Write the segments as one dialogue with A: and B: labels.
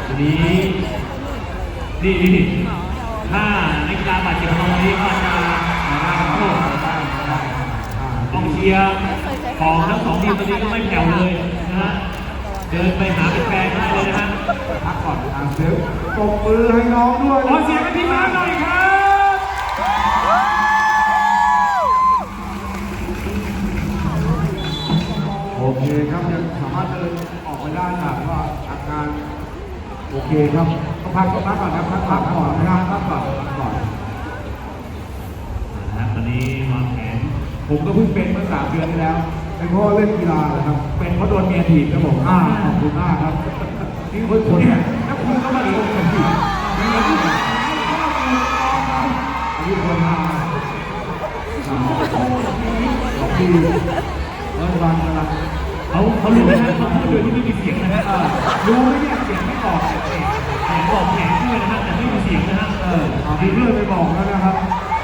A: ทีนี้นี่ถ้านักกีฬาบาดเจ็บตรงนี้ก็จะรับโทษกองเชียร์ของทั้งสองทีมตอนนี้ก็ไม่แผ่วเลยนะฮะเดินไปหาเป็นแฟนได้เลยนะฮะ
B: พักก่อนเสียงปรบมือให้น้องด้วย
A: ขอเสียงให้พี่มาหน่อยครับ
B: โอเคครับยังสามารถเดินออกไปได้ครับว่าอาการโอเคครับต้องพักก่อนนะพักก่อนนะครับพักก่อน
A: นะครับตอนนี้วางแผน
B: ผมก็เพิ่งเป็นเมื่อ3 เดือนที่แล้วเป็นเพราะเล่นกีฬานะครับเป็นเพราะโดนเมียถีบครับผมขอบคุณมากครับนี่คนเนี่ยถ้าคุณก็มาโดนผมถีบอายุคนมาขอบคุณรัฐบาลกำลัง
A: เขารู้ไหมฮะเขาพูดโดยที่ไม่มีเสียงนะฮะ
B: รู้ไหมเนี่ยเสียงไม่ออก
A: เสียงบอกแผนด้วยนะฮะแต่ไม่มีเสียงนะฮะ
B: มีเพื่อนไปบอกแล้วนะครับ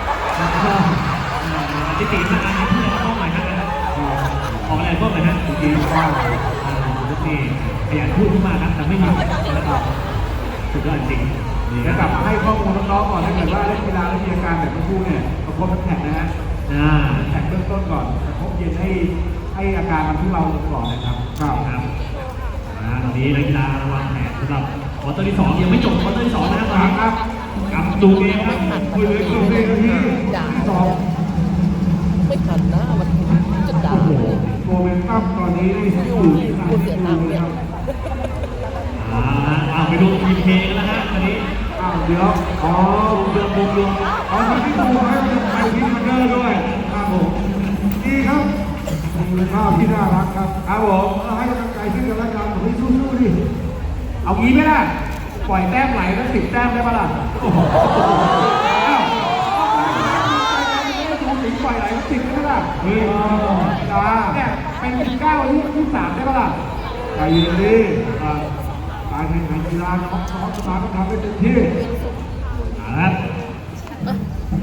A: จิติมาอันนี้เพื่อนต้องหมายนะออกอะไรก็หมายนะจริงๆว่านี่ขยันพูดมากนะแต่ไม่มีนะครับสุดยอดจริง
B: จะกลับมาให้ข้อมูลน้องๆก่อนถ้าเกิดว่าเล่นกีฬาแล้วมีอาการแบบเมื่อกี้เนี่ยประคบแท็กนะฮะแท็กเบื้องต้นก่อนประคบเย็นให้อาการมันทุเลาลงก่อนนะครับ
A: ครับตอนนี้นักกีฬาวางแผนสำหรับควอเตอร์ที่2ยังไม่จบควอเตอร์ที่2นะครับกับดูเองครับ
B: คุยเลยที่2
C: ไม่ทันนะมันจะด่า
B: โมเมนตัมตอนนี้อยู่ที่
C: เสียตังค์เนี่ย
A: ไปดูทีมเพลงแล้วฮะตอนนี้
B: เดี๋ยว
A: รวม
B: ที่ดูให้ไปที่มันเดอร์ด้วยครับผมดีครับเป็นภาพที่น่ารักครับครับผมให้กำลังใจซึ่งกันและกันผมให้สู้ๆดิเอางี้ไหมล่ะปล่อยแต้มไหลแล้ว10 แต้มได้ปะล่ะปล่อยไหล10ได้ปะล่ะเนี่ยเป็น9ที่3ได้ปะล่ะใจเย็นดิการแข่งขันกีฬาน้องสมาต้องทำให้เต็มที่
A: ครับ